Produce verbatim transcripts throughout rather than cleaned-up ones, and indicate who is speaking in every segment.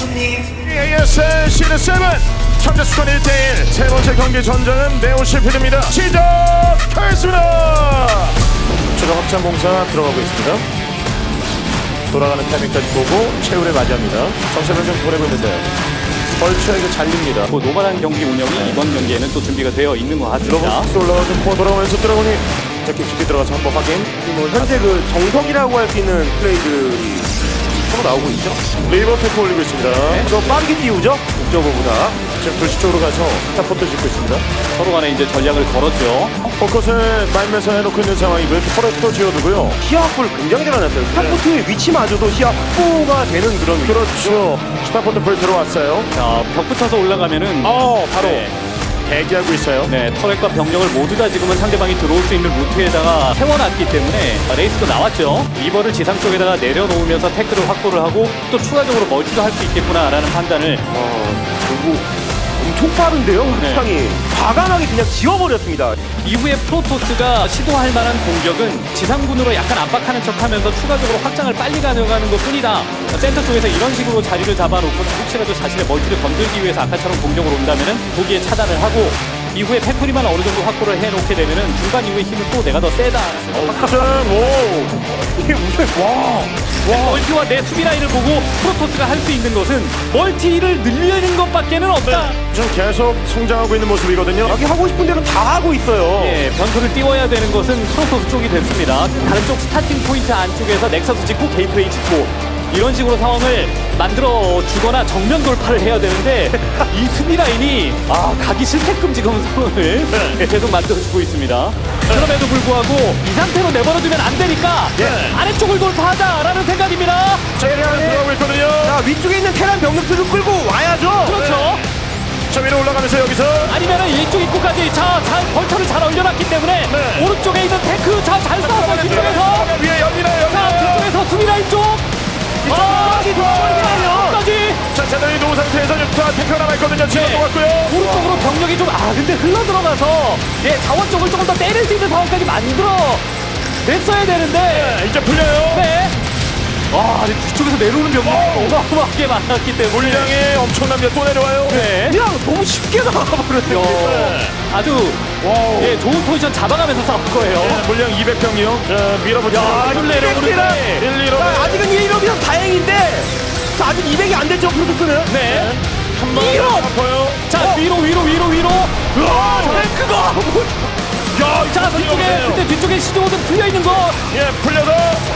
Speaker 1: 에이에스엘 시즌 칠 참가수권 일 대일 세 번째 경기 전장은 매우 실패됩니다. 시작하겠습니다. 최종 확장 공사 들어가고 있습니다. 돌아가는 타이밍까지 보고 최후를 맞이합니다. 정세변 좀 보내고 있는데요. 벌처에게 잘립니다.
Speaker 2: 뭐 노멀한 경기 운영이 네. 이번 경기에는 또 준비가 되어 있는 것 같습니다.
Speaker 1: 들어가서 올라가서 코어 돌아가면서 들어가니 자 깊숙이 들어가서 한번 확인.
Speaker 3: 뭐 현재 그 정석이라고 할 수 있는 플레이들이 서로 나오고 있죠.
Speaker 1: 리버 테크 올리고 있습니다.
Speaker 3: 네. 더 빠르게 띄우죠. 목적어보다.
Speaker 1: 지금 불시 쪽으로 가서 스타포트 짓고 있습니다.
Speaker 2: 서로 간에 이제 전략을 걸었죠.
Speaker 1: 포커스를 말면서 해놓고 있는 상황이고요. 포레스도 지어두고요.
Speaker 3: 시야 확보를 굉장히 잘해놨어요. 스타포트의 위치마저도 시야 확보가 되는 그런
Speaker 1: 그렇죠. 스타포트 불 들어왔어요.
Speaker 2: 자, 벽 붙어서 올라가면은
Speaker 1: 어 바로
Speaker 2: 네.
Speaker 1: 대기하고 있어요.
Speaker 2: 네, 터렛과 병력을 모두 다 지금은 상대방이 들어올 수 있는 루트에다가 세워놨기 때문에 레이스도 나왔죠. 리버를 지상 쪽에다가 내려놓으면서 태클을 확보를 하고 또 추가적으로 멀티도 할 수 있겠구나라는 판단을
Speaker 3: 어, 그리고 엄청 빠른데요. 확장이
Speaker 2: 네.
Speaker 3: 과감하게 그냥 지워버렸습니다.
Speaker 2: 이후에 프로토스가 시도할 만한 공격은 지상군으로 약간 압박하는 척하면서 추가적으로 확장을 빨리 가져가는 것뿐이다. 센터 쪽에서 이런 식으로 자리를 잡아놓고 혹시라도 자신의 멀티를 건들기 위해서 아까처럼 공격으로 온다면은 거기에 차단을 하고 이후에 팩토리만 어느 정도 확보를 해놓게 되면은 중간 이후에 힘은 또 내가 더 세다.
Speaker 1: 확장 오
Speaker 3: 이게 무슨 와.
Speaker 2: 와. 멀티와 내 수비 라인을 보고 프로토스가 할 수 있는 것은 멀티를 늘리는 것밖에는 없다.
Speaker 1: 지금 계속 성장하고 있는 모습이거든요.
Speaker 3: 여기 하고 싶은 대로 다 하고 있어요.
Speaker 2: 예, 변수를 띄워야 되는 것은 프로토스 쪽이 됐습니다. 다른 쪽 스타팅 포인트 안쪽에서 넥서스 짓고 게이트웨이 짓고 이런 식으로 상황을 만들어 주거나 정면 돌파를 해야 되는데 이 수비 라인이 아 가기 싫게끔 지금 상황을
Speaker 1: 네.
Speaker 2: 계속 만들어주고 있습니다. 그럼에도 불구하고 이 상태로 내버려두면 안 되니까
Speaker 1: 네.
Speaker 2: 아래쪽을 돌파하자라는 생각입니다.
Speaker 1: 제리안 들어가고 있거든요.
Speaker 3: 자, 위쪽에 있는 테란 병력들을 끌고 와야죠.
Speaker 2: 그렇죠.
Speaker 1: 저 위로 올라가면서 여기서
Speaker 2: 아니면은 이쪽 입구까지 자, 잘 벌처를 잘 올려놨기 때문에
Speaker 1: 네.
Speaker 2: 오른쪽에 있는 테크 자, 잘 싸웠어요. 뒤쪽에서
Speaker 1: 위에 열리나요?
Speaker 2: 자, 뒤쪽에서 수비 라인 쪽 아,
Speaker 3: 뒤쪽까지
Speaker 2: 까지
Speaker 1: 자, 제대로 놓은 상태에서 육타 테크가 남아있거든요. 지금
Speaker 2: 네.
Speaker 1: 놓았고요.
Speaker 2: 오른쪽으로 병력이 좀 아 근데 흘러 들어가서 예 자원 쪽을 조금 더 때릴 수 있는 상황까지 만들어 냈어야 되는데
Speaker 1: 네, 이제 풀려요.
Speaker 2: 네. 와 뒤쪽에서 내려오는 병력이 어마어마하게 많았기 때문에
Speaker 1: 물량이 엄청납니다. 또 내려와요.
Speaker 2: 네.
Speaker 3: 그냥 너무 쉽게 나가버렸어요.
Speaker 2: 야, 아주 예 좋은 포지션 잡아가면서 싸울 거예요.
Speaker 1: 네, 물량 이백 병이요. 자, 밀어보죠.
Speaker 2: 야, 이걸 내려오는데.
Speaker 1: 일, 이로.
Speaker 3: 자, 아직은 일 일업이면 다행인데 자, 아직 이백이 안 됐죠, 프로토스는.
Speaker 2: 네.
Speaker 1: 한번
Speaker 2: 이로.
Speaker 1: 아파요.
Speaker 2: 자 위로 위로 위로 위로.
Speaker 3: 와, 탱크가
Speaker 1: 야,
Speaker 2: 자 뒤쪽에 그때 뒤쪽에 시즈모드 풀려 있는 거
Speaker 1: 예, 풀려서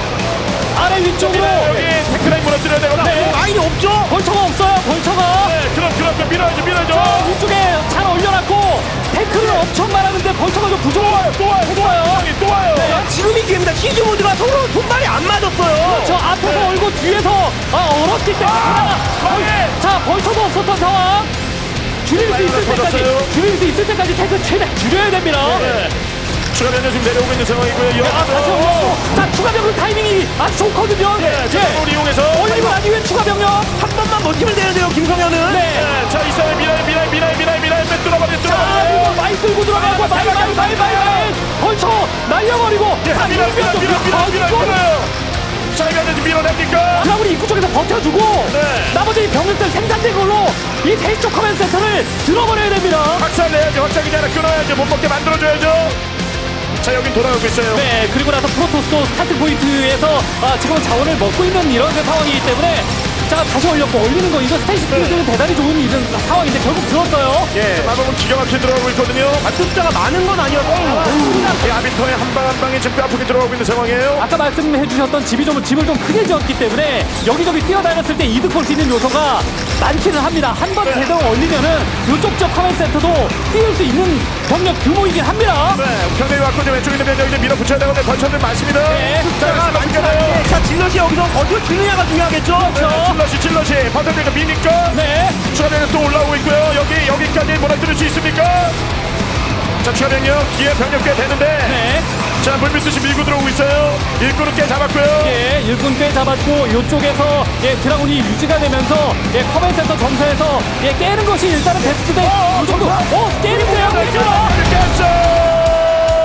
Speaker 2: 아래 위쪽으로.
Speaker 1: 여기 테크라인 무너뜨려야 되거든요.
Speaker 2: 네.
Speaker 3: 라인이 없죠.
Speaker 2: 벌처가 없어요. 벌처가.
Speaker 1: 네, 그럼 그럼 밀어야죠, 밀어야죠.
Speaker 2: 자, 위쪽에 잘 올려놨고 태클을 엄청 많았는데 벌처가 좀 부족해요.
Speaker 1: 또 와요, 또 와요, 또 와요.
Speaker 3: 자, 지금이 기회입니다. 히즈 모드가 서로 손발이 안 맞았어요.
Speaker 2: 저 앞에서 얼고 뒤에서 아 얼었기 때문에
Speaker 1: 아,
Speaker 2: 벌- 자 벌처도 없었던 상황. 줄일 수 있을 때까지
Speaker 1: 터졌어요.
Speaker 2: 줄일 수 있을 때까지 태클 최대 줄여야 됩니다.
Speaker 1: 네. 추가 변경 지금 내려오고 있는 상황이고요.
Speaker 2: 아 다시 올렸고 자 추가 병력 타이밍이 아주 좋거든요.
Speaker 1: 예, 자, 을 이용해서.
Speaker 2: 올리고 난 이후에 추가 병력.
Speaker 3: 한 번만 버티면 되는데요, 김성현은.
Speaker 2: 네.
Speaker 1: 네, 자, 이사의 미라이, 미라이, 미라이, 미라이, 미라이, 매 뚫어버려,
Speaker 2: 자,
Speaker 1: 뚫어버려.
Speaker 2: 그리고 마이 끌고 들어가고 마이 마이 마이 마이 마이 벌쳐 날려버리고
Speaker 1: 예,
Speaker 2: 다
Speaker 1: 미라이, 미라이, 미라이, 미라이, 미라이, 밀어요. 자, 이거 이제 밀어냅니까?
Speaker 2: 드라군이 입구 쪽에서 버텨주고
Speaker 1: 네.
Speaker 2: 나머지 병력들 생산된 걸로 이 대쪽 커맨드 센터를 들어버려야 됩니다.
Speaker 1: 확산 내야죠. 확장이지 않아 끊어야죠. 못 먹게 만들어줘야죠. 자, 여긴 돌아가고 있어요.
Speaker 2: 네, 그리고 나서 프로토스도 스타트 포인트에서 아, 지금은 자원을 먹고 있는 이런 그 상황이기 때문에 자 다시 올렸고 올리는 거 이거 스테이시 스피드는 대단히 좋은 이런 상황인데 결국 들었어요.
Speaker 1: 예, 마법은 기가 막히게 들어가고 있거든요.
Speaker 3: 아, 숫자가 많은 건 아니었어요.
Speaker 1: 이 아비터의 한 방 한 방이 지금 뼈아프게 들어가고 있는 상황이에요.
Speaker 2: 아까 말씀해주셨던 집이 좀 집을 좀 크게 지었기 때문에 여기저기 뛰어다녔을 때 이득 볼 수 있는 요소가 많기는 합니다. 한 번에
Speaker 1: 네.
Speaker 2: 제대로 올리면은 이쪽 쪽 커맨드 센터도 띄울 수 있는 병력 규모이긴 합니다.
Speaker 1: 네, 병력이 왔고 이제 왼쪽에 있는 병력 이제 밀어붙여야 되는데 벌처들 많습니다.
Speaker 2: 네.
Speaker 1: 자,
Speaker 3: 숫자가 많지
Speaker 1: 많잖아요.
Speaker 3: 않은데 자, 질럿이 여기서 어디로 주느냐가 중요하겠죠.
Speaker 2: 그렇죠.
Speaker 1: 질러시 질러시 버텨니까 미니까
Speaker 2: 네.
Speaker 1: 추가 병력 또 올라오고 있고요. 여기 여기까지 몰아들일 수 있습니까? 자, 추가 병력 뒤에 병력 꽤 되는데
Speaker 2: 네.
Speaker 1: 자, 물밀듯이 밀고 들어오고 있어요. 일꾼을 꽤 잡았고요.
Speaker 2: 예, 일꾼 꽤 잡았고 이쪽에서 예, 드라군이 유지가 되면서 예, 커맨드 센터 점사에서 예, 깨는 것이 일단은 베스트인데 이 정도 어, 깨는데요. 깨죠.
Speaker 1: 깼어.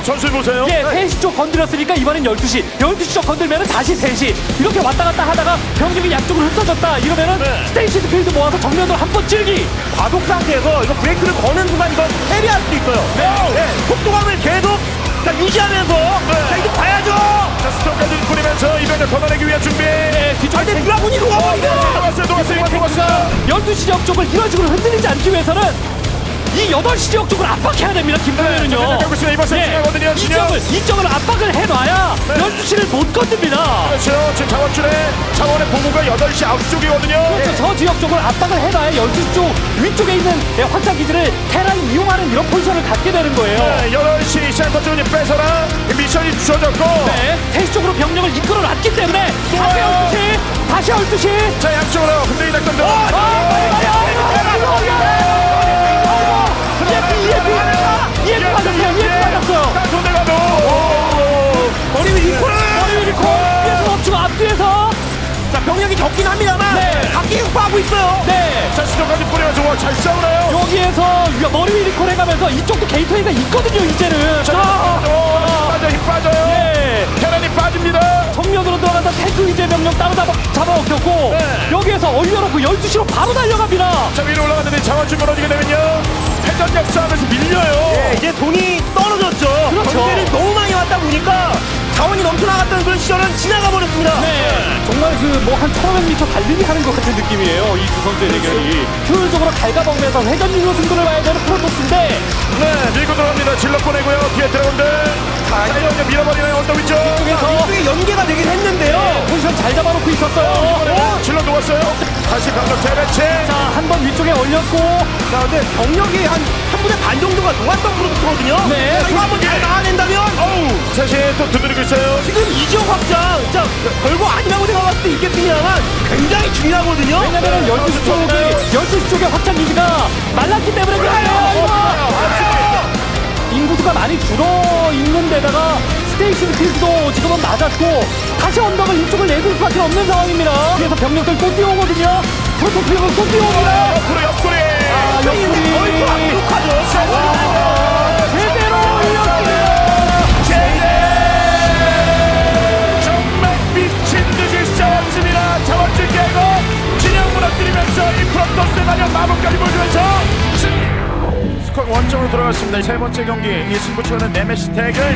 Speaker 1: 전술 보세요.
Speaker 2: 예, 세 시 쪽 건드렸으니까 이번엔 열두 시, 열두 시 쪽 건들면은 다시 세 시 이렇게 왔다 갔다 하다가 병력이 양쪽으로 흩어졌다 이러면은
Speaker 1: 네.
Speaker 2: 스테이시드 필드 모아서 정면으로 한 번 찔기.
Speaker 3: 과속 상태에서 이거 브레이크를 거는 순간 이거 해리할 수도 있어요. 네. 속도감을 계속 자, 유지하면서 자, 이거 봐야죠.
Speaker 1: 자, 스톱까지 뿌리면서 이변을 걷어내기 위한 준비.
Speaker 2: 네, 뒤쪽
Speaker 3: 아, 근데 드라군이 녹아버리죠.
Speaker 1: 들어왔어요, 들어왔어요, 들어왔어요.
Speaker 2: 열두 시 지역 쪽을 이런 식으로 흔들리지 않기 위해서는 이 여덟 시 지역 쪽을 압박해야 됩니다. 김동현은요.
Speaker 1: 네, 자, 있습니다. 이번 세트 중요하거든요,
Speaker 2: 이
Speaker 1: 진영.
Speaker 2: 점을 이 점을 압박을 해놔야
Speaker 1: 네.
Speaker 2: 열두 시를 못 건듭니다.
Speaker 1: 그렇죠. 지금 자원줄에 자원의 보고가 여덟 시 아홉 시 쪽이거든요.
Speaker 2: 그렇죠. 저 지역 쪽을 압박을 해놔야 열두 시 쪽 위쪽에 있는 예, 확장 기지를 테라인 이용하는 이런 포지션을 갖게 되는 거예요.
Speaker 1: 네, 여덟 시 센터 쪽을 뺏어라. 미션이 주어졌고.
Speaker 2: 네, 세 시 쪽으로 병력을 이끌어놨기 때문에 다시
Speaker 1: 좋아요.
Speaker 2: 열두 시, 다시 열두 시.
Speaker 1: 자, 양쪽으로 흔들기 작전들.
Speaker 2: 아, 빨리 가요. 이에프, 이에프, 이에프 맞았어요. 이에프 맞았어요.
Speaker 1: 손대 가도.
Speaker 3: 머리 위 리콜.
Speaker 2: 머리 위로 콜. 이에프 멈추고 앞뒤에서.
Speaker 3: 자, 병력이 적긴 합니다만
Speaker 2: 네.
Speaker 3: 각기 흡하고 있어요.
Speaker 2: 네.
Speaker 1: 자, 수도까지 뿌리면서 와, 잘 싸우나요?
Speaker 2: 여기에서 머리 위 리콜 해가면서 이쪽도 게이트웨이가 있거든요. 이제는.
Speaker 1: 자,
Speaker 2: 아,
Speaker 1: 어, 빠져, 힘 빠져요.
Speaker 2: 예.
Speaker 1: 테란이 빠집니다.
Speaker 2: 정면으로 들어간다 탱크 위주의 명령 따로 잡아, 잡아먹혔고
Speaker 1: 네.
Speaker 2: 여기에서 올려놓고 열두 시로 바로 달려갑니다.
Speaker 1: 자, 위로 올라갔는데 자원줄 멀어지게 되면요. 회전력 싸움에서 밀려요.
Speaker 3: 네, 이제 돈이 떨어졌죠.
Speaker 2: 그렇죠.
Speaker 3: 경제를 너무 많이 왔다 보니까 자원이 넘쳐나갔던 그런 시절은 지나가 버렸습니다.
Speaker 2: 네, 정말 그 뭐 한 천오백 미터 달리기 하는 것 같은 느낌이에요. 이 두 선수의 대결이 효율적으로 갉아먹으면서 회전율로 승부를 봐야 되는 프로토스인데
Speaker 1: 네, 밀고 들어갑니다. 질러 보내고요. 뒤에 드래곤들. 자, 이제 밀어버리는 언덕 위쪽.
Speaker 2: 쪽에서
Speaker 3: 이쪽에 연계가 되긴 했는데요.
Speaker 2: 포지션 잘 잡아놓고 있었어요.
Speaker 1: 이번에는 질러 놓았어요. 다시 강력 재배치.
Speaker 2: 자, 한 번 위쪽에 올렸고
Speaker 3: 자, 근데 병력이 한 한 분의 반 정도가 녹았던 프로젝트거든요.
Speaker 2: 네.
Speaker 3: 자, 이거 한번 잘 막아낸다면
Speaker 1: 어우, 셋이 또 두드리고 있어요.
Speaker 3: 지금 이 지역 확장, 자, 별거 아니라고 생각할 수도 있겠습니다만 굉장히 중요하거든요.
Speaker 2: 왜냐면은 열두 시 쪽이 열두 시 쪽의 확장 기지가 말랐기 때문에 그래요. 이거. 인구수가 많이 줄어 있는 데다가 스테이션 필드도 지금은 맞았고 다시 언덕을 이쪽을 내줄 수밖에 없는 상황입니다. 그래서 병력들 또 뛰어오거든요. 프로토스가 또 뛰어옵니다.
Speaker 1: 옆구리, 옆구리.
Speaker 2: 아,
Speaker 3: 근데
Speaker 2: 옆구리.
Speaker 3: 얼굴 압록하죠.
Speaker 2: 제대로 올렸어요.
Speaker 1: 정말 미친 듯이 싸웠습니다. 자원줄 깨고 진영 무너뜨리면서 이 프로토스의 마련 마법까지 보여주면서 승- 스코어 원점으로 돌아갔습니다. 세 번째 경기 이 승부처는 네메시 대결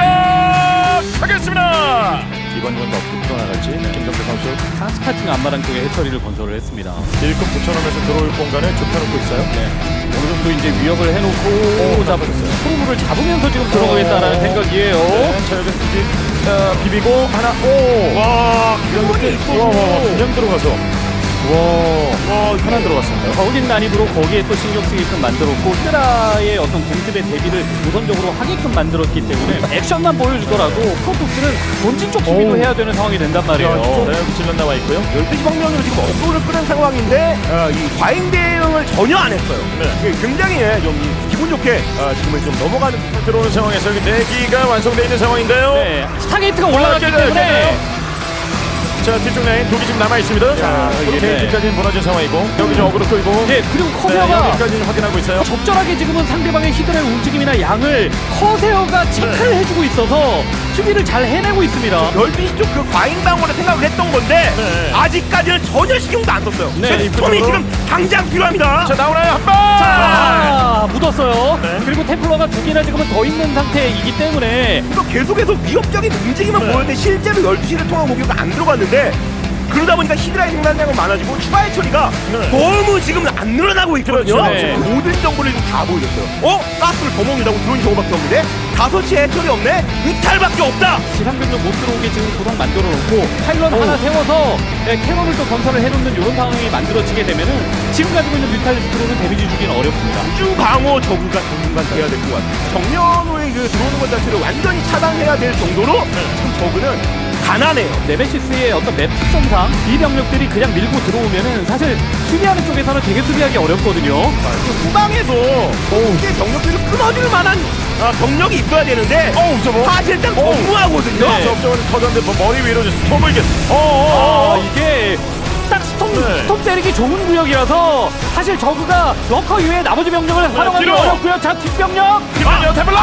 Speaker 1: 시작하겠습니다. 이번 건 어떻게 풀어나갈지 김정태 선수
Speaker 2: 카스카팅 안마랑 쪽에 해처리를 건설을 했습니다.
Speaker 1: 일급 붙여놓으면서 들어올 공간을 좁혀놓고 있어요.
Speaker 2: 네. 어느 정도 이제 위협을 해놓고 잡 프로브를 잡으면서 지금 들어가겠다라는 생각이에요.
Speaker 1: 네, 자 여기 비비, 어, 비비고 하나 오. 와,
Speaker 3: 이번이
Speaker 1: 와, 와, 와, 그냥 들어가서. 와, 와, 하나 들어갔습니다.
Speaker 2: 거긴 난입으로 거기에 또 신경 쓰게끔 만들었고 히드라의 어떤 공습의 대비를 우선적으로 하게끔 만들었기 때문에 액션만 보여주더라도 프로토스는 본진 쪽 수비도
Speaker 1: 오.
Speaker 2: 해야 되는 상황이 된단 말이에요.
Speaker 1: 네, 여기 질러 나와 있고요.
Speaker 3: 열두 시 방면으로 지금 억울을 끄는 상황인데 어, 이 과잉 대응을 전혀 안 했어요.
Speaker 1: 네.
Speaker 3: 이게 굉장히 예, 좀 기분 좋게 어, 지금은 좀 넘어가는 듯한
Speaker 1: 들어오는 상황에서 여기 내기가 완성되어 있는 상황인데요.
Speaker 2: 네, 스타게이트가 올라갔기
Speaker 1: 깨져요,
Speaker 2: 때문에
Speaker 1: 깨져요. 자, 뒤쪽 라인 독이 지금 남아있습니다. 자,
Speaker 2: 이게 네.
Speaker 1: 게이트까지는 무너진 상황이고 여기 좀 어그로 끌고
Speaker 2: 네, 그리고
Speaker 1: 네,
Speaker 2: 커세어가
Speaker 1: 여기까지는 확인하고 있어요.
Speaker 2: 적절하게 지금은 상대방의 히드라의 움직임이나 양을 커세어가 체크를 해주고 있어서 수비를 잘 해내고 있습니다.
Speaker 3: 열두 시 쪽 그 과잉 방어를 생각을 했던 건데
Speaker 1: 네.
Speaker 3: 아직까지는 전혀 신경도 안 썼어요.
Speaker 2: 네,
Speaker 3: 네, 스톰이
Speaker 1: 입구적으로.
Speaker 3: 지금 당장 필요합니다.
Speaker 1: 자, 나오나요? 한 번!
Speaker 2: 아, 묻었어요.
Speaker 1: 네.
Speaker 2: 그리고 템플러가 두 개나 지금은 더 있는 상태이기 때문에
Speaker 3: 또 계속해서 위협적인 움직임만
Speaker 1: 네.
Speaker 3: 보였는데 실제로 열두 시를 통한 공격이 안 들어갔는데 그러다 보니까 히드라의 생산량은 많아지고 추가의 처리가
Speaker 1: 네.
Speaker 3: 너무 지금 안 늘어나고 있거든요.
Speaker 1: 그렇죠.
Speaker 2: 네.
Speaker 3: 지금 모든 정보를 지금 다 보여줬어요. 어? 가스를 더 먹는다고 들어온 경우밖에 없는데 다섯 시에 해처리 없네? 이탈밖에 없다!
Speaker 2: 지상병력 못 들어오게 지금 구성 만들어 놓고 파일럿 하나 세워서 예, 캐논을 또 건설을 해놓는 이런 상황이 만들어지게 되면은 지금 가지고 있는 뮤탈리스트로는 데미지 주기는 어렵습니다.
Speaker 3: 우주 방어 저구가 당분간 돼야 될 것 같아요. 정면으로 그 들어오는 것 자체를 완전히 차단해야 될 정도로 지금 저그는 가난해요.
Speaker 2: 네메시스의 어떤 맵 특성상 이 병력들이 그냥 밀고 들어오면은 사실 수비하는 쪽에서는 되게 수비하기 어렵거든요.
Speaker 3: 후방에서 이게 병력들을 끊어줄 만한 아, 병력이 있어야 되는데
Speaker 1: 어우, 저 뭐?
Speaker 3: 사실상 너무하거든요.
Speaker 2: 네.
Speaker 1: 접점은 터졌는데 뭐 머리 위로 이제 스톰을 이게
Speaker 2: 아,
Speaker 1: 어어어
Speaker 2: 이게 딱 스톱,
Speaker 1: 네.
Speaker 2: 스톱 때리기 좋은 구역이라서 사실 저그가 러커 이외에 나머지 병력을 활용하기
Speaker 1: 뒤로.
Speaker 2: 어렵고요. 자, 뒷병력!
Speaker 1: 김한영 태블라
Speaker 3: 아,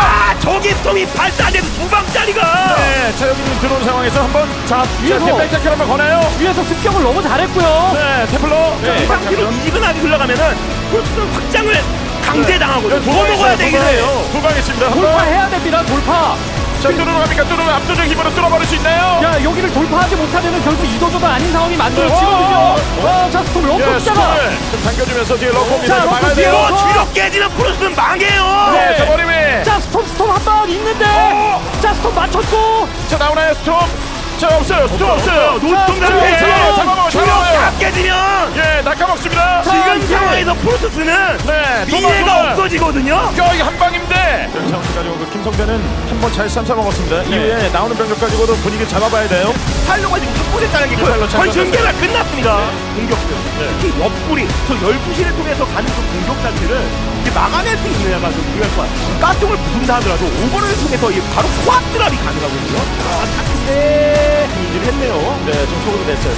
Speaker 3: 저기 스톰이 발사돼서 두 방짜리가.
Speaker 1: 네, 자 여기 지금 들어온 상황에서 한번 자
Speaker 2: 위에서.
Speaker 1: 템플 한번 거나요?
Speaker 2: 위에서 습격을 너무 잘했고요.
Speaker 1: 네, 템플러.
Speaker 2: 네.
Speaker 3: 이 상태로 이지근하게 흘러가면은 프로토스는 확장을 강제당하거든요. 더 먹어야 되긴 해요.
Speaker 1: 두 방 있습니다. 한 방.
Speaker 2: 돌파해야 됩니다. 돌파.
Speaker 1: 자, 뚫으러 갑니까? 뚫으러 압도적 힘으로 뚫어버릴 수 있나요?
Speaker 2: 야, 여기를 돌파하지 못하면 결국 이도저도 아닌 상황이
Speaker 1: 어,
Speaker 2: 만들어지거든요. 와, 자, 스톰 럭커
Speaker 1: 예,
Speaker 2: 기다가.
Speaker 1: 스톤을 좀 당겨주면서 뒤에
Speaker 2: 자,
Speaker 1: 럭커입니다.
Speaker 2: 럭커
Speaker 1: 막아야
Speaker 2: 뒤에
Speaker 1: 돼요.
Speaker 2: 럭커.
Speaker 3: 이거 뒤로 깨지면 프로토스는 망해요.
Speaker 1: 네, 자, 머리 위에.
Speaker 2: 자, 스톰 스톰 한 방 있는데.
Speaker 1: 어!
Speaker 2: 자, 스톰 맞췄고.
Speaker 1: 자, 나오나요, 스톰? 자, 없어요. 스톰 없어요.
Speaker 3: 노통
Speaker 2: 자,
Speaker 3: 상태.
Speaker 1: 잡아먹어요, 잡아먹어요,
Speaker 3: 주력
Speaker 1: 잡아먹어요.
Speaker 3: 다 깨지면
Speaker 1: 예, 낚아먹습니다.
Speaker 2: 자,
Speaker 3: 지금
Speaker 2: 이제.
Speaker 3: 상황에서 프로토스는
Speaker 1: 네,
Speaker 3: 미래가
Speaker 1: 도망.
Speaker 3: 없어지거든요.
Speaker 1: 야, 이게 한 방인데. 상황 가지고 그 김성대는 한 번 잘 삼삼 먹었습니다. 이후에 나오는 병력 가지고도 분위기 잡아봐야 돼요.
Speaker 3: 팔로가 지금 확보됐다는 게
Speaker 1: 예, 팔로 잘
Speaker 3: 거의 전개가
Speaker 1: 던졌어요.
Speaker 3: 끝났습니다. 공격들. 특히 옆구리, 저 열두 시를 통해서 가는 그 공격 자체를 이제 막아낼 수 있느냐가 좀 중요할 것 같아요. 가스통을 부순다 하더라도 오버를 통해서 이 바로 코앞 드랍이 가능하거든요. 아, 근데 일을 했네요.
Speaker 1: 네, 좀 속으로 냈어요.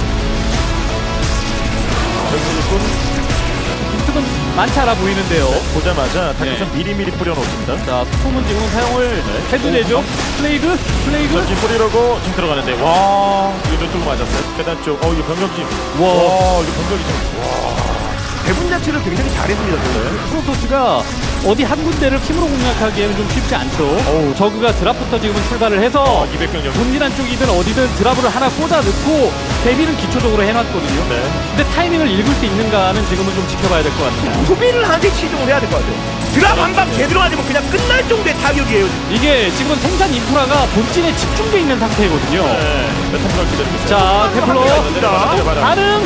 Speaker 1: 여기서
Speaker 2: 빈틈은 많지 않아 보이는데요.
Speaker 1: 보자마자
Speaker 2: 네.
Speaker 1: 다크선 미리미리 뿌려놓습니다.
Speaker 2: 자, 스톰은 지금 사용을
Speaker 1: 네.
Speaker 2: 해도 되죠. 플레이그, 플레이그.
Speaker 1: 지금 뿌리려고 지금 들어가는데 와 이거 뚫고 맞았어요. 계단 쪽. 어 이거 병력지.
Speaker 2: 와.
Speaker 1: 와 이거 병력이 좀.
Speaker 3: 배분 자체를 굉장히 잘했습니다. 저는.
Speaker 2: 프로토스가 어디 한 군데를 힘으로 공략하기에는 좀 쉽지 않죠.
Speaker 1: 어우.
Speaker 2: 저그가 드랍부터 지금은 출발을 해서
Speaker 1: 어, 이백 병력.
Speaker 2: 본진한 쪽이든 어디든 드랍을 하나 꽂아 넣고 대비를 기초적으로 해놨거든요.
Speaker 1: 네.
Speaker 2: 근데 타이밍을 읽을 수 있는가는 지금은 좀 지켜봐야 될 것 같습니다.
Speaker 3: 소비를 하나씩 시도를 해야 될 것 같아요. 드랍 한 방 제대로 맞으면 그냥 끝날 정도의 타격이에요.
Speaker 2: 이게 지금은 생산 인프라가 본진에 집중돼 있는 상태거든요.
Speaker 1: 네. 템플러 기다리고 있어요.
Speaker 2: 자, 테플러
Speaker 1: 반응.
Speaker 2: 반응.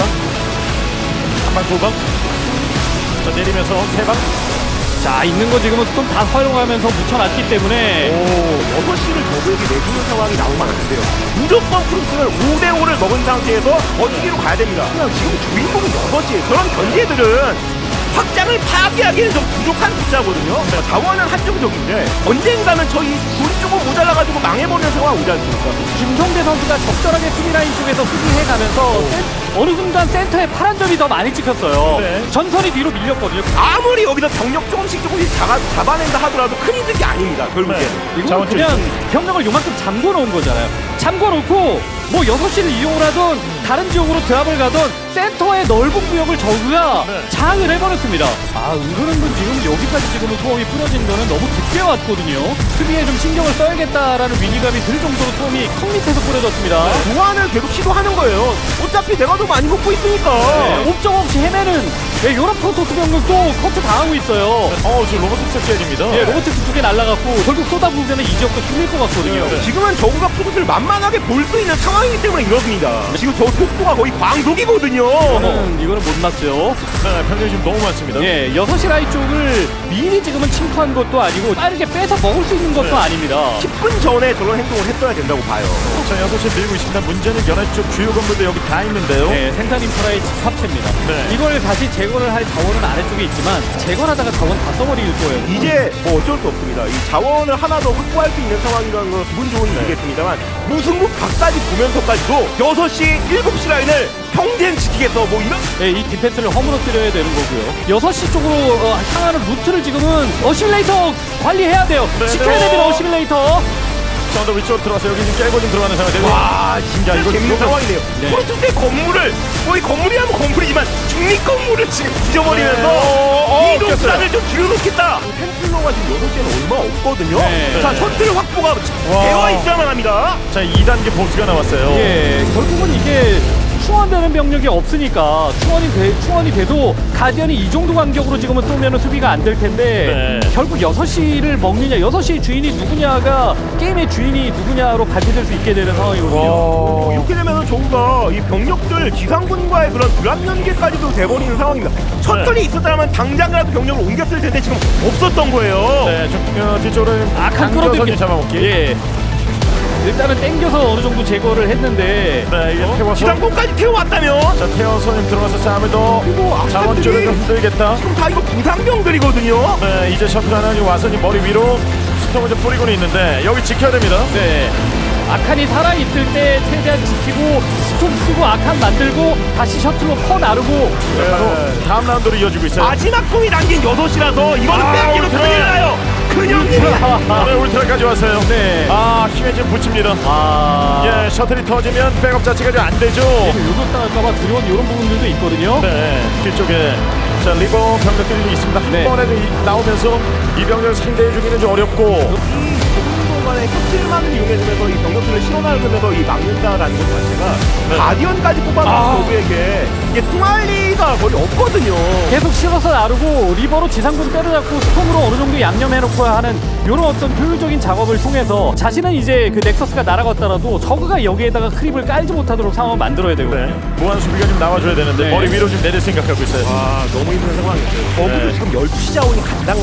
Speaker 1: 한방 두 방. 자 내리면서 세 방.
Speaker 2: 자, 있는 거 지금은 좀 다 활용하면서 묻혀놨기 때문에
Speaker 3: 오, 여섯 시를 저에게 내주는 상황이 나오면 안 돼요. 무조건 프로스는 오 대 오를 먹은 상태에서 어디로 가야 됩니다. 그냥 지금 주인공은 여섯 시. 그런 견제들은 확장을 파괴하기에는 좀 부족한 숫자거든요. 자원은 한정적인데 언젠가는 저희 돈 조금 모자라가지고 망해버리는 상황 오지 않습니까?
Speaker 2: 김성대 선수가 적절하게 수비라인 쪽에서 수비해가면서 센- 어느 순간 센터에 파란 점이 더 많이 찍혔어요.
Speaker 1: 네.
Speaker 2: 전선이 뒤로 밀렸거든요.
Speaker 3: 아무리 여기서 병력 조금씩 조금씩 잡아, 잡아낸다 하더라도 큰 이득이 아닙니다. 결국에.
Speaker 1: 네.
Speaker 2: 이거
Speaker 1: 자원
Speaker 2: 그냥 병력을 요만큼 잠궈 놓은 거잖아요. 잠궈 놓고 뭐 여섯 시를 이용을 하던 다른 지역으로 드랍을 가던 센터의 넓은 구역을 저그가
Speaker 1: 네.
Speaker 2: 장을 해버렸습니다. 아, 은근은근 지금 여기까지 지금은 소음이 뿌려진 거는 너무 깊게 왔거든요. 수비에 좀 신경을 써야겠다라는 위기감이 들 정도로 소음이 턱 밑에서 뿌려졌습니다.
Speaker 3: 보완을 계속 시도하는 거예요. 어차피 내가 더 많이 먹고 있으니까.
Speaker 2: 네, 옵적 없이 헤매는 네, 요런 프로토스 병력도 커트 당하고 있어요.
Speaker 1: 어 지금 로봇 스케일입니다.
Speaker 2: 예, 로보틱스 두 개 날아갔고 결국 쏟아부으면 이 지역도 뚫릴 것 같거든요.
Speaker 1: 네.
Speaker 3: 지금은 저우가 프로스를 만만하게 볼 수 있는 상황이기 때문에 이렇습니다. 지금 저 속도가 거의 광속이거든요.
Speaker 2: 이거는, 이거는 못 났죠.
Speaker 1: 네, 병력이 지금 너무 많습니다.
Speaker 2: 예, 여섯 시 라인 쪽을 미리 지금은 침투한 것도 아니고 빠르게 뺏어 먹을 수 있는 것도
Speaker 1: 네.
Speaker 2: 아닙니다.
Speaker 3: 십 분 전에 저런 행동을 했어야 된다고 봐요.
Speaker 1: 자 여섯 시 밀고 있습니다. 문제는 연합 쪽 주요 건물도 여기 다 있는데요.
Speaker 2: 네, 생산 인프라의 집합체입니다.
Speaker 1: 네.
Speaker 2: 이걸 다시 제거를 할 자원은 아래쪽에 있지만 제거하다가 자원 다 써버릴 거예요.
Speaker 3: 이제 뭐 어쩔 수 없습니다. 이 자원을 하나 더 확보할 수 있는 상황이라는 건 기분 좋은 일이겠습니다만 무승부 각까지 보면서까지도 여섯 시, 일곱 시 라인을 평생 지키겠어 뭐 이런
Speaker 2: 네, 이 디펜스를 허물어뜨려야 되는 거고요. 여섯 시 쪽으로 어, 향하는 루트를 지금은 어시밀레이터 관리해야 돼요.
Speaker 1: 네,
Speaker 2: 지켜야
Speaker 1: 네.
Speaker 2: 됩니다, 어시밀레이터.
Speaker 1: 자 언더 위쪽으로 들어와서 여기 지금 깨고 좀 들어가는 상황인데.
Speaker 3: 와 진짜
Speaker 1: 야, 이거
Speaker 3: 재밌는
Speaker 1: 이거-
Speaker 3: 상황이네요.
Speaker 2: 네.
Speaker 3: 프로토스의 건물을 뭐 이 건물이라면 건물이지만 중립 건물을 지금 뒤져버리면서
Speaker 1: 네. 어, 어,
Speaker 3: 이동수단을 좀 줄여놓겠다. 템플러가 지금 여섯 시에는 얼마 없거든요.
Speaker 2: 네.
Speaker 3: 자 셔틀 확보가
Speaker 1: 와.
Speaker 3: 되어 있어야만 합니다.
Speaker 1: 자 이 단계 보스가 나왔어요.
Speaker 2: 예, 결국은 이게 충원되는 병력이 없으니까 충원이 돼, 충원이 돼도 가디언이 이 정도 간격으로 지금은 쏘면 수비가 안 될 텐데
Speaker 1: 네.
Speaker 2: 결국 여섯 시를 먹느냐, 여섯 시의 주인이 누구냐가 게임의 주인이 누구냐로 발표될 수 있게 되는 상황이거든요.
Speaker 3: 어, 이렇게 되면 저우가 이 병력들 지상군과의 그런 드랍 연계까지도 돼버리는 상황입니다. 셔틀이 있었다면 당장이라도 병력을 옮겼을 텐데 지금 없었던 거예요.
Speaker 1: 네, 좀 어, 뒤쪽으로
Speaker 2: 악한
Speaker 1: 당겨서
Speaker 2: 끌어들기
Speaker 1: 잡아먹기.
Speaker 2: 예. 일단은 땡겨서 어느 정도 제거를 했는데
Speaker 1: 네, 이게 태워서
Speaker 3: 지상군까지 태워왔다면
Speaker 1: 자 태워서 지금 들어가서 싸움을 더
Speaker 3: 그리고
Speaker 1: 자원줄을
Speaker 3: 악사들이
Speaker 1: 좀 흔들겠다.
Speaker 3: 지금 다 이거 부상병들이거든요.
Speaker 1: 네, 이제 셔틀 하나 지금 와서 지금 머리 위로 스톰을 좀 뿌리고는 있는데 여기 지켜야 됩니다.
Speaker 2: 네. 아칸이 살아있을 때 최대한 지키고 스톰 쓰고 아칸 만들고 다시 셔틀로 퍼 나르고
Speaker 1: 네, 바로 다음 라운드로 이어지고 있어요.
Speaker 3: 마지막 공이 남긴 여섯 시라서 이거는
Speaker 1: 아,
Speaker 3: 빼앗기면
Speaker 1: 오늘
Speaker 3: 큰일 나요. 근육이
Speaker 1: 네, 울트라까지 왔어요.
Speaker 2: 네.
Speaker 1: 아, 힘에 지금 붙입니다.
Speaker 2: 아.
Speaker 1: 예, 셔틀이 터지면 백업 자체가 좀 안 되죠.
Speaker 2: 요격 당할까봐 두려운 이런 부분들도 있거든요.
Speaker 1: 네, 뒤쪽에 자 리버 병력들이 좀 있습니다. 한
Speaker 2: 네.
Speaker 1: 번에 이- 나오면서 이 병력을 상대해주기는 좀 어렵고.
Speaker 3: 이 좁은 공간에 껍질만을 이용해주면서 이 병력들을 실어나르면서 이 막는다라는 것 자체가
Speaker 1: 네.
Speaker 3: 가디언까지 뽑아놓은
Speaker 1: 아.
Speaker 3: 저그에게 이게 통할 리가 거의 없거든요.
Speaker 2: 계속 실어서 나르고 리버로 지상군 때려잡고 스톰으로 어느 정도 양념해놓고 하는 이런 어떤 효율적인 작업을 통해서 자신은 이제 그 넥서스가 날아갔더라도 저그가 여기에다가 크립을 깔지 못하도록 상황을 만들어야 되거든요.
Speaker 1: 네, 무한 수비가 좀 나와줘야 되는데
Speaker 2: 네.
Speaker 1: 머리 위로 좀 내릴 생각하고 있어요.
Speaker 3: 아 너무 힘든 상황이었어요. 저그도
Speaker 1: 네.
Speaker 3: 지금 열두 시 자원이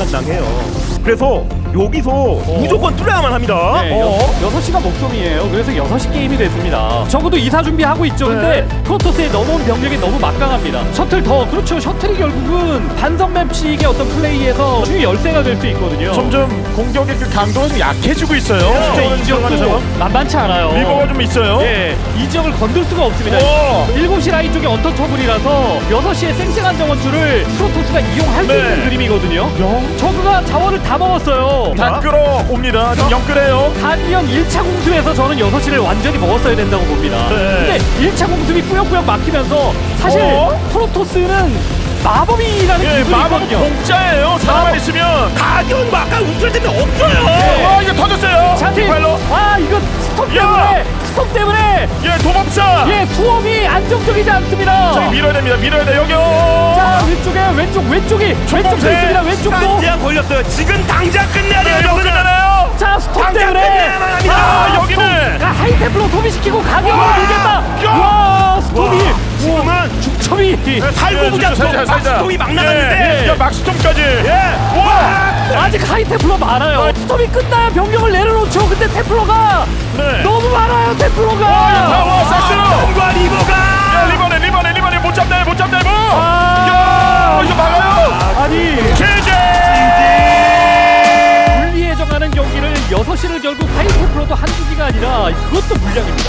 Speaker 3: 간당간당해요. 그래서 여기서 무조건 뚫어야만 합니다.
Speaker 2: 네,
Speaker 1: 어?
Speaker 2: 여, 여섯 시가 목숨이에요. 그래서 여섯 시 게임이 됐습니다. 적어도 이사 준비하고 있죠. 근데
Speaker 1: 네.
Speaker 2: 프로토스에 넘어온 병력이 너무 막강합니다. 셔틀 더, 그렇죠. 셔틀이 결국은 반성 맵식의 어떤 플레이에서 중요 열쇠가 될 수 있거든요.
Speaker 1: 점점 공격의 그 강도가 좀 약해지고 있어요.
Speaker 2: 진짜
Speaker 1: 오늘
Speaker 2: 이
Speaker 1: 들어가는
Speaker 2: 지역도
Speaker 1: 상황.
Speaker 2: 만만치 않아요.
Speaker 1: 리버가 좀 있어요.
Speaker 2: 예, 이 지역을 건들 수가 없습니다.
Speaker 1: 오!
Speaker 2: 일곱 시 라인 쪽에 언터처블이라서 여섯 시에 쌩쌩한 정원줄을 프로토스가 이용할 수
Speaker 1: 네.
Speaker 2: 있는 그림이거든요. 저그가 자원을 다 먹었어요.
Speaker 1: 다 끌어옵니다. 지금 영끌해요.
Speaker 2: 가디언 일 차 공습에서 저는 여섯 시를 완전히 먹었어야 된다고 봅니다.
Speaker 1: 네.
Speaker 2: 근데 일 차 공습이 꾸역꾸역 막히면서 사실
Speaker 1: 어?
Speaker 2: 프로토스는 마법이라는
Speaker 1: 예,
Speaker 2: 기술이
Speaker 1: 마법
Speaker 2: 있거든요.
Speaker 1: 공짜예요. 사람만 있으면.
Speaker 3: 가디언 아까 웃을 때는 없어요.
Speaker 2: 네.
Speaker 1: 와, 이거 터졌어요.
Speaker 2: 샤티,
Speaker 1: 발로.
Speaker 2: 아 이거 스톱
Speaker 1: 야!
Speaker 2: 때문에 스톱 때문에
Speaker 1: 예, 도범사.
Speaker 2: 예 수험이 안정적이지 않습니다.
Speaker 1: 저기 밀어야 됩니다. 밀어야 돼. 여기요.
Speaker 2: 자 왼쪽에 왼쪽 왼쪽이 왼쪽도 있습니다. 왼쪽도
Speaker 3: 시간 걸렸어요. 지금 당장 끝내야 돼요.
Speaker 1: 네,
Speaker 3: 저그는.
Speaker 1: 끝나나요?
Speaker 2: 자 스톱
Speaker 3: 당장
Speaker 2: 때문에
Speaker 3: 끝내야만 합니다.
Speaker 1: 아, 여기는.
Speaker 2: 스톱. 아, 하이템플로 소비시키고 가격을
Speaker 1: 와!
Speaker 2: 밀겠다.
Speaker 1: 야!
Speaker 2: 와 스톱이
Speaker 3: 와, 지금은
Speaker 2: 중첩이
Speaker 3: 살고 보자.
Speaker 1: 예, 살자, 살자.
Speaker 3: 막스톰이 막 나갔는데.
Speaker 1: 예, 야, 막스톰까지.
Speaker 3: 예.
Speaker 1: 와.
Speaker 2: 아직 하이템플러 많아요. 스톱이 끝나야 병력을 내려놓죠. 근데 템플러가
Speaker 1: 네.
Speaker 2: 너무 많아요. 템플러가.
Speaker 1: 와, 와, 싹스로.
Speaker 3: 과 리버가.
Speaker 1: 야, 리버네, 리버네, 리버네. 못 잡나요? 못 잡나요? 뭐?
Speaker 2: 아,
Speaker 1: 야, 이거 막아요.
Speaker 2: 아니
Speaker 1: 제재.
Speaker 2: 분리에 정하는 경기를 여섯 시를 결국 하이템플러도 한두 기가 아니라 그것도 물량입니다.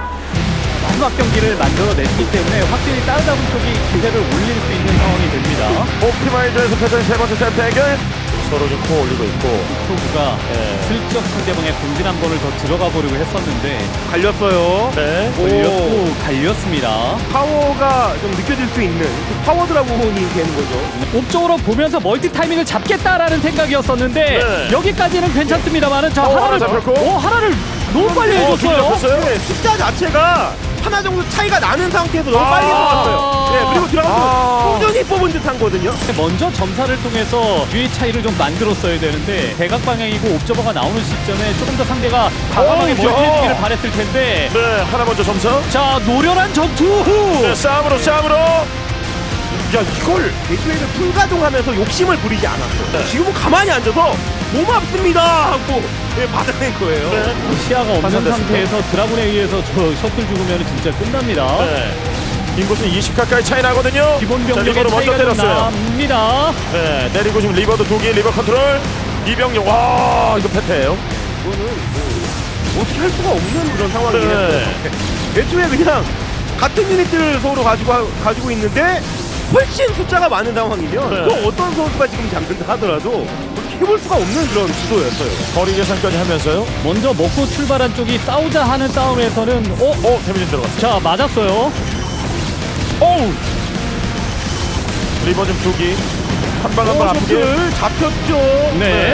Speaker 2: 마지막 경기를 만들어냈기 때문에 확실히 따르다분 쪽이 기세를 올릴 수 있는 상황이 됩니다.
Speaker 1: 옵티마이저에서 펼쳐진 세 번째 세트 대결. 서로 좀 코 올리고 있고.
Speaker 2: 프로브가
Speaker 1: 네.
Speaker 2: 슬쩍 상대방의 공진 한 번을 더 들어가 보려고 했었는데
Speaker 3: 갈렸어요.
Speaker 1: 네.
Speaker 2: 걸렸고 갈렸습니다.
Speaker 3: 파워가 좀 느껴질 수 있는 그 파워 드라곤이 되는 거죠.
Speaker 2: 옵적으로 보면서 멀티 타이밍을 잡겠다라는 생각이었었는데
Speaker 1: 네.
Speaker 2: 여기까지는 괜찮습니다만은 자
Speaker 1: 어,
Speaker 2: 하나를
Speaker 1: 하나 잡혔고.
Speaker 2: 어 하나를 너무 빨리
Speaker 1: 어,
Speaker 2: 해줬어요.
Speaker 1: 잡혔어요?
Speaker 3: 네, 숫자 자체가 하나 정도 차이가 나는 상태에서 너무
Speaker 1: 아.
Speaker 3: 빨리 뽑았어요. 네, 그리고 들어가서
Speaker 1: 아.
Speaker 3: 꾸준히 뽑은 듯한 거든요.
Speaker 2: 먼저 점사를 통해서 유의 차이를 좀 만들었어야 되는데 대각 방향이고 옵저버가 나오는 시점에 조금 더 상대가 과감하게
Speaker 1: 어,
Speaker 2: 멀티
Speaker 1: 야.
Speaker 2: 해주기를 바랬을 텐데
Speaker 1: 네, 하나 먼저 점사.
Speaker 2: 자 노련한 전투.
Speaker 1: 네, 싸움으로 싸움으로.
Speaker 3: 야 이걸 대기획을 풀가동하면서 욕심을 부리지 않았어.
Speaker 1: 네.
Speaker 3: 지금은 가만히 앉아서 고맙습니다 하고 네, 받아낸 거예요.
Speaker 1: 네.
Speaker 2: 시야가 없는
Speaker 1: 판단됐습니다.
Speaker 2: 상태에서 드라군에 의해서 저 셔틀 죽으면 진짜 끝납니다.
Speaker 1: 네. 인구수 이십 가까이 차이 나거든요.
Speaker 2: 기본
Speaker 1: 자,
Speaker 2: 병력의
Speaker 1: 리버로 먼저
Speaker 2: 차이가 좀
Speaker 1: 때렸어요.
Speaker 2: 납니다.
Speaker 1: 네, 내리고 지금 리버도 두 개, 리버 컨트롤. 이병력, 와, 이거 패패예요.
Speaker 3: 이거는 뭐 어떻게 할 수가 없는 그런 상황이에요.
Speaker 1: 네.
Speaker 3: 애초에 그냥 같은 유닛들을 서로 가지고 하- 가지고 있는데 훨씬 숫자가 많은 상황이면
Speaker 1: 네.
Speaker 3: 그 어떤 선수가 지금 잡는다 하더라도 어떻게 해볼 수가 없는 그런 시도였어요.
Speaker 1: 거리 계산까지 하면서요.
Speaker 2: 먼저 먹고 출발한 쪽이 싸우자 하는 싸움에서는 어?
Speaker 1: 어, 데미지 들어갔어요.
Speaker 2: 자 맞았어요.
Speaker 1: 어우. 리버 좀 두기. 한 방 한 방 아프게.
Speaker 3: 셔틀 잡혔죠.
Speaker 2: 네.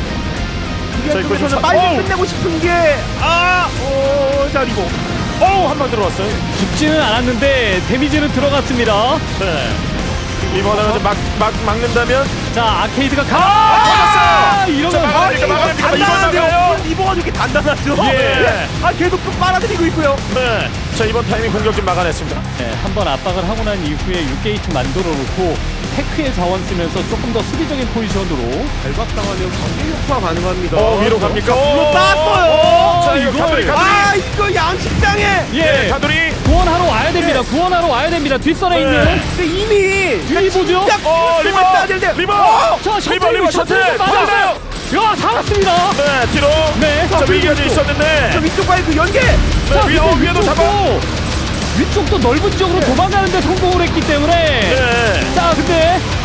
Speaker 3: 이게
Speaker 1: 자, 이거
Speaker 3: 쪽에서는
Speaker 1: 좀
Speaker 3: 빨리
Speaker 1: 사- 어우!
Speaker 3: 끝내고 싶은 게 아, 어, 자 리버.
Speaker 1: 어우, 한 방 들어갔어요.
Speaker 2: 죽지는 않았는데 데미지는 들어갔습니다.
Speaker 1: 네. 이번에는 막, 막, 막는다면.
Speaker 2: 자 아케이드가 가.
Speaker 1: 아,
Speaker 2: 이러면
Speaker 1: 자, 막아야 됩니까? 막아야 됩니까? 이번 막아요.
Speaker 3: 단단한데요. 리버가 이렇게 단단하죠.
Speaker 1: 예.
Speaker 3: 아 계속 또 빨아들이고 있고요.
Speaker 1: 네. 자, 이번 타이밍 공격 좀 막아냈습니다.
Speaker 2: 네, 한번 압박을 하고 난 이후에 육 게이트 만들어 놓고 테크의 자원 쓰면서 조금 더 수비적인 포지션으로
Speaker 3: 발박당하면 경기 효과 가능합니다.
Speaker 1: 어, 위로 갑니까?
Speaker 3: 위로 땄어요.
Speaker 1: 어, 자, 이거
Speaker 2: 이걸.
Speaker 1: 가두리, 가두리.
Speaker 3: 아 이거 양식장에.
Speaker 1: 예,
Speaker 2: 예
Speaker 1: 가두리.
Speaker 2: 구원하러 와야 됩니다. 구원하러 와야 됩니다. 뒷선에
Speaker 1: 네.
Speaker 2: 있는
Speaker 3: 근데 이미
Speaker 2: 뒤 보죠.
Speaker 3: 딱
Speaker 1: 어,
Speaker 3: 어,
Speaker 1: 리버.
Speaker 3: 리버 되는데.
Speaker 1: 리버.
Speaker 2: 자
Speaker 1: 리버,
Speaker 2: 셔틀
Speaker 1: 리버,
Speaker 2: 셔틀
Speaker 1: 셔틀.
Speaker 2: 맞았어요.
Speaker 1: 터졌어요.
Speaker 2: 야 살았습니다.
Speaker 1: 네, 뒤로.
Speaker 2: 네.
Speaker 1: 자, 위기가 좀
Speaker 3: 저
Speaker 1: 있었는데.
Speaker 3: 위쪽과의 그 연계.
Speaker 2: 자,
Speaker 1: 네, 위로,
Speaker 2: 근데
Speaker 1: 위에도
Speaker 2: 위쪽도-
Speaker 1: 잡아.
Speaker 2: 위쪽도 넓은 지역으로 도망가는데 성공을 했기 때문에
Speaker 1: 네.
Speaker 2: 자 근데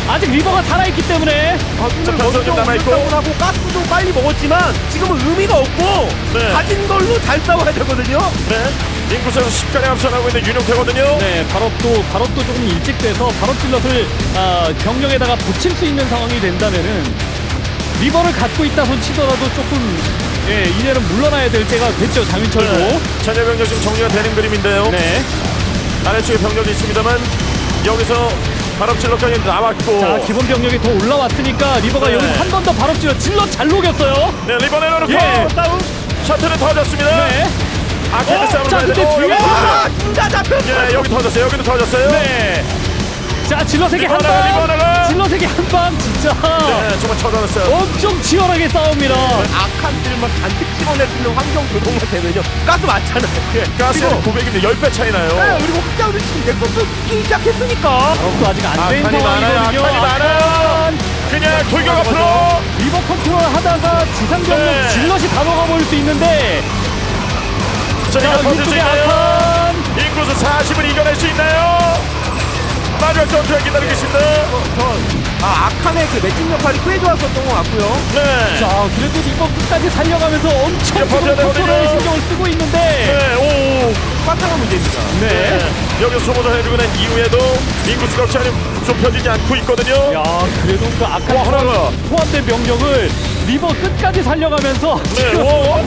Speaker 2: 아직 리버가 살아있기 때문에
Speaker 3: 가스를
Speaker 1: 변성 좀
Speaker 3: 먼저
Speaker 1: 남아있고.
Speaker 3: 올렸다고 하고 가스도 빨리 먹었지만 지금은 의미가 없고
Speaker 1: 네.
Speaker 3: 가진 걸로 잘 싸워야 되거든요.
Speaker 1: 네. 인구수에서 십 간에 앞서나고 있는 윤용태거든요.
Speaker 2: 네, 발업도 발업도 조금 일찍 돼서 발업 질럿을 아, 병력에다가 붙일 수 있는 상황이 된다면은 리버를 갖고 있다 손 치더라도 조금 예, 이제는 물러나야 될 때가 됐죠 장윤철도.
Speaker 1: 네. 잔여 병력 지금 정리가 되는 그림인데요.
Speaker 2: 네.
Speaker 1: 아래쪽에 병력이 있습니다만 여기서 발업질러까지 나왔고.
Speaker 2: 자 기본 병력이 더 올라왔으니까 리버가
Speaker 1: 네.
Speaker 2: 여기서 한 번 더 발업 질럿 질럿 잘 녹였어요.
Speaker 1: 네, 리버 내려놓고
Speaker 2: 예.
Speaker 3: 싸움.
Speaker 1: 셔틀은 터졌습니다.
Speaker 2: 네.
Speaker 1: 아케이드
Speaker 2: 어?
Speaker 1: 싸움을
Speaker 2: 자,
Speaker 1: 봐야
Speaker 2: 근데
Speaker 1: 되고.
Speaker 2: 뒤에-
Speaker 1: 여기
Speaker 3: 아,
Speaker 1: 터졌어요.
Speaker 3: 진짜 잡혔어.
Speaker 1: 예, 여기 터졌어요. 여기도 터졌어요.
Speaker 2: 네. 자 질럿에게 한
Speaker 1: 리버나가,
Speaker 2: 방.
Speaker 1: 리버나가.
Speaker 2: 질럿에게 한 방 진짜
Speaker 1: 네, 정말 쳐졌어요.
Speaker 2: 엄청 치열하게 싸웁니다.
Speaker 3: 악한들만 잔뜩 집어낼 수 있는 환경 조성만 되면요. 가스 많잖아요.
Speaker 1: 예, 가스는 구백인데 십 배 차이 나요.
Speaker 3: 네, 그리고 확장을 지금 넥서스 끼기 시작했으니까.
Speaker 2: 발업도 아직 안 된
Speaker 1: 악한이 많아요.
Speaker 2: 상황이거든요.
Speaker 1: 악한이 많아요. 그냥 돌격 앞으로.
Speaker 2: 리버 컨트롤 하다가 지상 병력
Speaker 1: 네.
Speaker 2: 질럿이 다 먹어버릴 수 있는데
Speaker 1: 자,
Speaker 2: 자
Speaker 1: 이거 버틸 수
Speaker 2: 위쪽에
Speaker 1: 있나요?
Speaker 2: 아칸
Speaker 1: 인구수 사십을 이겨낼 수 있나요? 마지막 전투가 기다리고 있습니다.
Speaker 3: 아, 악한의 그 매칭 역할이 꽤 좋았었던 것 같고요.
Speaker 1: 네.
Speaker 2: 자 그래도 리버 끝까지 살려가면서 엄청
Speaker 1: 이제
Speaker 2: 지금
Speaker 1: 버텨야 되거든요.
Speaker 2: 컨트롤에 신경을 쓰고 있는데
Speaker 1: 네, 오.
Speaker 3: 빠딱한 문제입니다.
Speaker 2: 네.
Speaker 1: 네. 여기서 소모전 해주고 난 이후에도 인구수가 없이 좁혀지지 않고 있거든요.
Speaker 2: 야 그래도 그 아칸
Speaker 1: 와, 하나가.
Speaker 2: 포함- 포함된 병력을 리버 끝까지 살려가면서
Speaker 1: 네,
Speaker 2: 지금
Speaker 1: 오.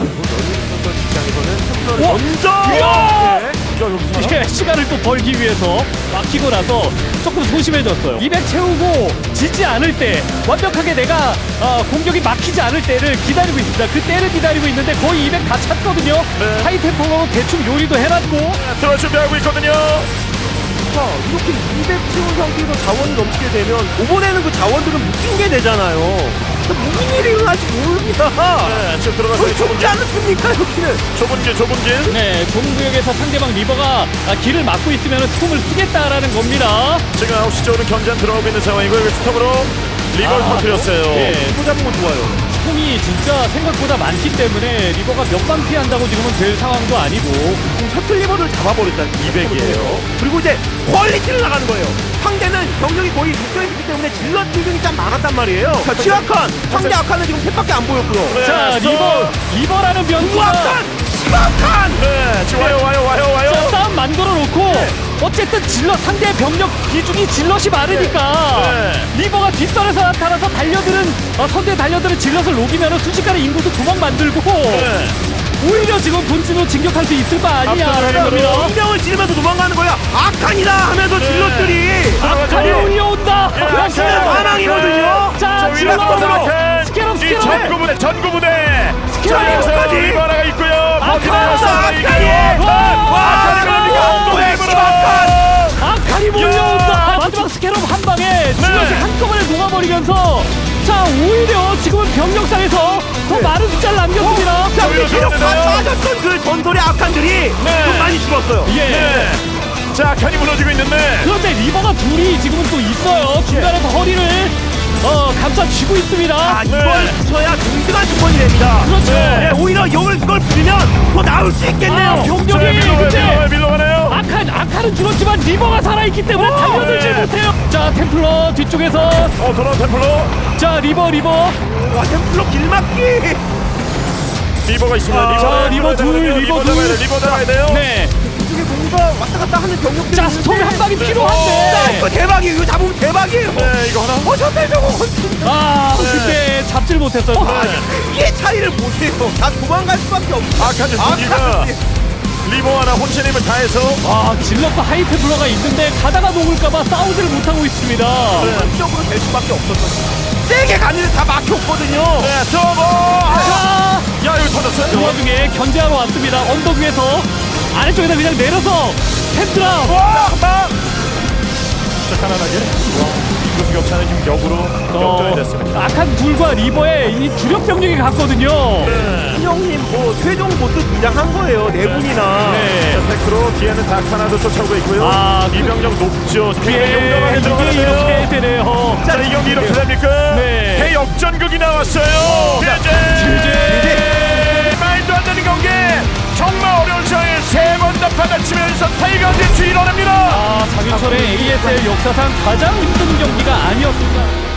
Speaker 3: 입장에서는
Speaker 2: 와,
Speaker 1: 먼저.
Speaker 2: 이야!
Speaker 3: 네.
Speaker 2: 이게 시간을 또 벌기 위해서 막히고 나서 조금 소심해졌어요. 이백 채우고 지지 않을 때 완벽하게 내가 어, 공격이 막히지 않을 때를 기다리고 있습니다. 그 때를 기다리고 있는데 거의 이백 다 찼거든요.
Speaker 1: 네.
Speaker 2: 하이템포로 대충 요리도 해놨고
Speaker 1: 들어 준비하고 있거든요.
Speaker 3: 자, 이렇게 이백 채운 상태에서 자원이 넘치게 되면 이번에는 그 자원들은 묶인 게 되잖아요. 무슨 일이 일어날지 모릅니다.
Speaker 1: 네, 지금 들어가서
Speaker 3: 거의 좁지 않습니까, 여기는?
Speaker 1: 좁은 길, 좁은 길.
Speaker 2: 네, 좁은 구역에서 상대방 리버가 아, 길을 막고 있으면 스톰을 쓰겠다라는 겁니다.
Speaker 1: 지금 아홉 시 쪽으로 견제한 들어오고 있는 상황이고 여기 스톱으로 리버를
Speaker 2: 아,
Speaker 1: 터뜨렸어요.
Speaker 2: 예.
Speaker 3: 또 잡은 건 좋아요.
Speaker 2: 스톰이 진짜 생각보다 많기 때문에 리버가 몇 방 피한다고 지금은 될 상황도 아니고
Speaker 3: 지금 셔틀 리버를 잡아버렸다.
Speaker 1: 이백이에요.
Speaker 3: 그리고 이제 퀄리티를 나가는 거예요. 상대는 병력이 거의 묶여있기 때문에 질럿 비중이 참 많았단 말이에요. 자, 취약한 상대 악한은 지금 셋밖에 안 보였고요.
Speaker 1: 네,
Speaker 2: 자
Speaker 1: 스톱.
Speaker 2: 리버 리버라는 변수가
Speaker 3: 우악한! 심악한!
Speaker 1: 네, 지금 와요, 와요, 와요, 와요.
Speaker 2: 자, 싸움 만들어 놓고 어쨌든 질럿 상대 병력 비중이 질럿이 많으니까
Speaker 1: 네.
Speaker 2: 리버가 뒷선에서 나타나서 달려드는 어, 선두에 달려드는 질럿을 녹이면 순식간에 인구수 두 번 만들고
Speaker 1: 네.
Speaker 2: 오히려 지금 본진으로 진격할 수 있을 거 아니냐라는
Speaker 1: 앞서가요.
Speaker 2: 겁니다.
Speaker 3: 인명을 지르면서 도망가는 거야. 악한이다 하면서
Speaker 1: 네.
Speaker 3: 질럿들이
Speaker 2: 악한이
Speaker 1: 예.
Speaker 2: 올려온다.
Speaker 1: 예,
Speaker 3: 그렇지는
Speaker 1: 악한.
Speaker 3: 반항이거든요.
Speaker 2: 자,
Speaker 1: 저 위로
Speaker 2: 질럿
Speaker 1: 악한.
Speaker 2: 스케럽,
Speaker 1: 이
Speaker 2: 스케럽.
Speaker 1: 전구부대, 전구부대.
Speaker 2: 스케럽
Speaker 1: 자, 여기서
Speaker 3: 여기까지.
Speaker 1: 리버라가 있고요.
Speaker 2: 악한.
Speaker 1: 버티면서
Speaker 3: 악한이.
Speaker 1: 이겨요.
Speaker 2: 와,
Speaker 1: 악한이 밀리고 또
Speaker 3: 왜
Speaker 1: 리버로.
Speaker 3: 심악한!
Speaker 2: 악한이 몰려온다. 마지막 스캐럽 한 방에 질럿이 한꺼번에 녹아버리면서 자 오히려 지금은 병력상에서 더 많은 숫자를 남겼습니다.
Speaker 3: 자, 우리
Speaker 1: 위로
Speaker 3: 기록 다
Speaker 1: 들어오는데요.
Speaker 3: 빠졌던 그 전설의 악한들이
Speaker 1: 네.
Speaker 3: 좀 많이 죽었어요.
Speaker 2: 예.
Speaker 1: 네. 자, 악한이 무너지고 있는데.
Speaker 2: 그런데 리버가 둘이 지금은 또 있어요. 중간에서 허리를 어, 감싸쥐고 있습니다.
Speaker 3: 아, 이걸
Speaker 1: 네.
Speaker 3: 붙여야 든든한 조건이 됩니다.
Speaker 2: 그렇죠.
Speaker 3: 네, 오히려 이걸 이걸 부리면 더 나을 수 있겠네요.
Speaker 2: 아, 병력이
Speaker 1: 자, 밀러가요,
Speaker 2: 근데
Speaker 1: 밀러가요, 밀러가네요.
Speaker 2: 악한 악한은 줄었지만 리버가 살아있기 때문에 달려들지
Speaker 1: 네.
Speaker 2: 못해요. 자 템플러 뒤쪽에서
Speaker 1: 어, 돌아온 템플러.
Speaker 2: 자 리버 리버
Speaker 3: 와, 템플러 길막기.
Speaker 1: 리버가 있습니다.
Speaker 3: 아,
Speaker 1: 리버,
Speaker 2: 자, 리버 둘, 리버 둘.
Speaker 1: 잡아야 돼요, 리버 잡아야 돼요.
Speaker 2: 네.
Speaker 3: 이쪽에 뭔가 왔다 갔다 하는 병력들이
Speaker 2: 자 스톰이 한 방이
Speaker 3: 자,
Speaker 2: 필요한데
Speaker 3: 이거 대박이에요. 이거 잡으면 대박이에요.
Speaker 1: 네, 이거 하나.
Speaker 3: 어, 셔틀 저거.
Speaker 2: 아
Speaker 1: 네.
Speaker 2: 그때 잡질 못했어요.
Speaker 3: 아, 이게 차이를 보세요. 다 도망갈 수밖에 없어.
Speaker 1: 악한 무기가
Speaker 3: 악한
Speaker 1: 리버 하나 혼자 힘을 다해서
Speaker 2: 아 질럿과 하이템플러가 있는데 가다가 녹을까봐 싸우지를 못하고 있습니다.
Speaker 3: 한쪽으로 될 수밖에 없었어. 세게 가는데 다 막혔거든요.
Speaker 1: 네, 저거. 아,
Speaker 2: 자,
Speaker 1: 야, 이거 터졌어요.
Speaker 2: 그 와중에 견제하러 왔습니다. 언덕 위에서 아래쪽에다 그냥 내려서 템드라.
Speaker 1: 와, 막. 자, 가난하게. 이곳 격차는 지금 역으로 역전이 됐습니다.
Speaker 2: 악한 둘과 리버의 이 주력 병력이 갔거든요.
Speaker 3: 신영님 뭐 최종 보스 등장한 거예요. 네 분이나.
Speaker 2: 네.
Speaker 1: 자, 테크로 뒤에는 다카나도 쫓아오고 있고요.
Speaker 2: 아, 그-
Speaker 1: 이병력 높죠.
Speaker 2: 예,
Speaker 1: 굉장히 용감하게
Speaker 2: 이게 이렇게
Speaker 1: 들어가는데요.
Speaker 2: 되네요.
Speaker 1: 자, 이 경기 이렇게 됩니까?
Speaker 2: 네.
Speaker 1: 대역전극이 나왔어요. 제제.
Speaker 2: 제재.
Speaker 1: 말도 안 되는 경기. 정말 어려운 상황에 세 번째 더 받아치면서 타이거즈 뒤로 납니다.
Speaker 2: 아, 장윤철의 에이에스엘 역사상 가장 힘든 경기가 아니었습니다.